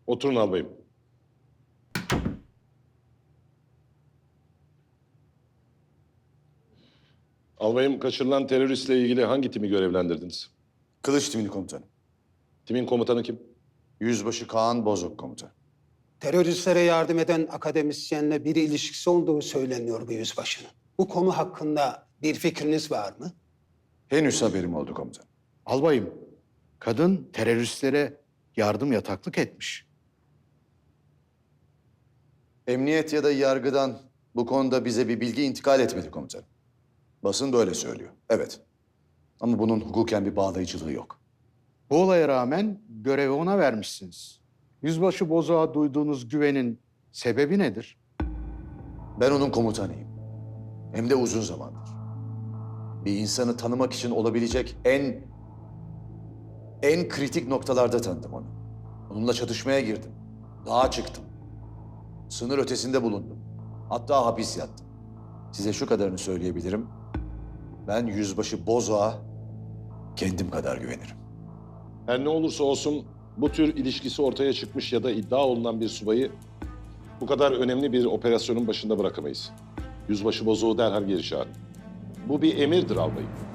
Oturun albayım. Albayım, kaçırılan teröristle ilgili hangi timi görevlendirdiniz? Kılıç timini komutanım. Timin komutanı kim? Yüzbaşı Kaan Bozok komutanım. Teröristlere yardım eden akademisyenle bir ilişkisi olduğu söyleniyor bu yüzbaşının. Bu konu hakkında bir fikriniz var mı? Henüz haberim oldu komutanım. Albayım, kadın teröristlere yardım yataklık etmiş. Emniyet ya da yargıdan bu konuda bize bir bilgi intikal etmedi komutanım. Basın da öyle söylüyor. Evet. Ama bunun hukuken bir bağlayıcılığı yok. Bu olaya rağmen görevi ona vermişsiniz. Yüzbaşı Bozok'a duyduğunuz güvenin sebebi nedir? Ben onun komutanıyım. Hem de uzun zamandır. Bir insanı tanımak için olabilecek en kritik noktalarda tanıdım onu. Onunla çatışmaya girdim. Dağa çıktım. Sınır ötesinde bulundum. Hatta hapis yattım. Size şu kadarını söyleyebilirim. Ben Yüzbaşı Bozok'a kendim kadar güvenirim. Her ne olursa olsun bu tür ilişkisi ortaya çıkmış ya da iddia olunan bir subayı bu kadar önemli bir operasyonun başında bırakamayız. Yüzbaşı Bozok'u derhal geri çağırın. Bu bir emirdir albayım.